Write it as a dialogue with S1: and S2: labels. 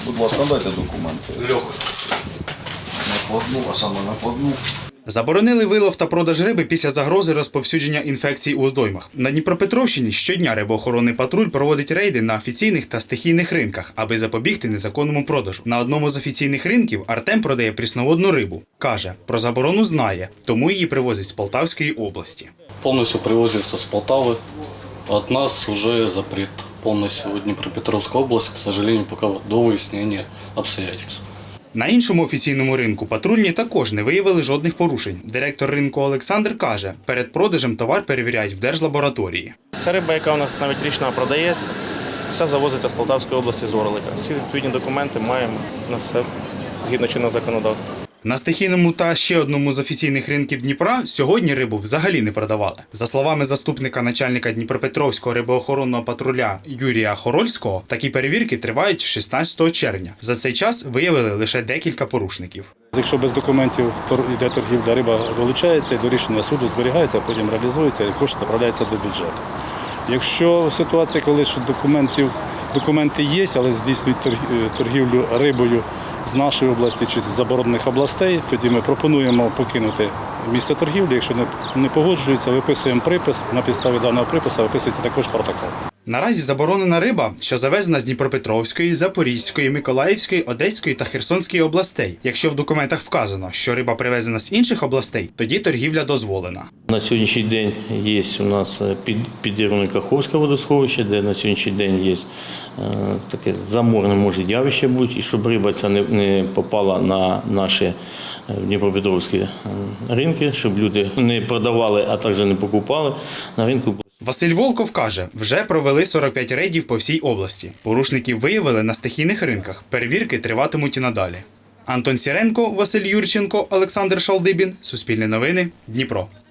S1: Будь ласка, дайте документи. Накладну, а саме накладну.
S2: Заборонили вилов та продаж риби після загрози розповсюдження інфекцій у водоймах. На Дніпропетровщині щодня рибоохоронний патруль проводить рейди на офіційних та стихійних ринках, аби запобігти незаконному продажу. На одному з офіційних ринків Артем продає прісноводну рибу. Каже, про заборону знає, тому її привозять з Полтавської області.
S3: Полностью привозится с Полтавы. От нас уже запрет полностью в Днепропетровскую область, к сожалению, пока до выяснения обстоятельств.
S2: На іншому офіційному ринку патрульні також не виявили жодних порушень. Директор ринку Олександр каже, перед продажем товар перевіряють в держлабораторії.
S4: Ця риба, яка у нас навіть річна продається, вся завозиться з Полтавської області з Орлика. Всі відповідні документи маємо на все згідно чинного законодавства.
S2: На стихійному та ще одному з офіційних ринків Дніпра сьогодні рибу взагалі не продавали. За словами заступника начальника Дніпропетровського рибоохоронного патруля Юрія Хорольського, такі перевірки тривають 16 червня. За цей час виявили лише декілька порушників.
S5: Якщо без документів йде торгівля, риба вилучається, до рішення суду зберігається, потім реалізується і кошти направляються до бюджету. Якщо ситуація, коли що документи є, але здійснюють торгівлю рибою з нашої області чи з заборонених областей, тоді ми пропонуємо покинути місце торгівлі. Якщо не погоджуються, виписуємо припис. На підставі даного припису виписується також протокол.
S2: Наразі заборонена риба, що завезена з Дніпропетровської, Запорізької, Миколаївської, Одеської та Херсонської областей. Якщо в документах вказано, що риба привезена з інших областей, тоді торгівля дозволена.
S6: На сьогоднішній день є у нас підірване Каховське водосховище, де на сьогоднішній день є таке заморне може явище бути, і щоб риба ця не попала на наші дніпропетровські ринки, щоб люди не продавали, а також не покупали на ринку.
S2: Василь Волков каже, вже провели 45 рейдів по всій області. Порушників виявили на стихійних ринках. Перевірки триватимуть і надалі. Антон Сіренко, Василь Юрченко, Олександр Шалдибін. Суспільне новини. Дніпро.